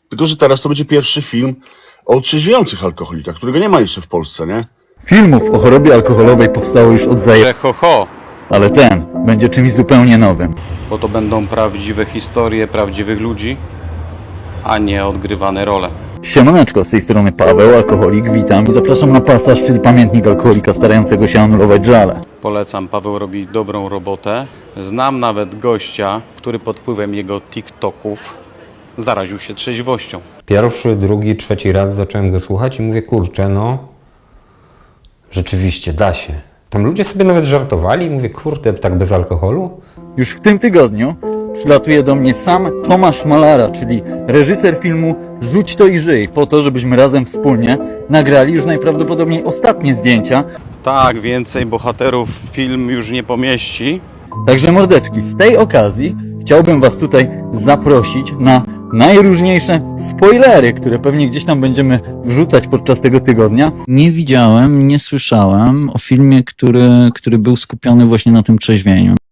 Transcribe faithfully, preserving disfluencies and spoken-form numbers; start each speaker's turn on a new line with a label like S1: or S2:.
S1: Tylko że teraz to będzie pierwszy film o otrzeźwiających alkoholikach, którego nie ma jeszcze w Polsce, nie?
S2: Filmów o chorobie alkoholowej powstało już od zaje...
S3: Że ho, ho,
S2: ale ten będzie czymś zupełnie nowym.
S3: bo to będą prawdziwe historie prawdziwych ludzi, a nie odgrywane role.
S2: Siemaneczko, z tej strony Paweł, alkoholik, witam i zapraszam na pasaż, czyli pamiętnik alkoholika starającego się anulować żale.
S3: Polecam, Paweł robi dobrą robotę. Znam nawet gościa, który pod wpływem jego TikToków zaraził się trzeźwością.
S4: Pierwszy, drugi, trzeci raz zacząłem go słuchać i mówię, kurczę, no rzeczywiście da się. Tam ludzie sobie nawet żartowali i mówię, kurde, tak bez alkoholu?
S2: Już w tym tygodniu przylatuje do mnie sam Tomasz Malara, czyli reżyser filmu Rzuć to i żyj, po to, żebyśmy razem wspólnie nagrali już najprawdopodobniej ostatnie zdjęcia.
S3: Tak, więcej bohaterów film już nie pomieści.
S2: Także mordeczki, z tej okazji chciałbym Was tutaj zaprosić na najróżniejsze spoilery, które pewnie gdzieś tam będziemy wrzucać podczas tego tygodnia.
S5: Nie widziałem, nie słyszałem o filmie, który, który był skupiony właśnie na tym trzeźwieniu.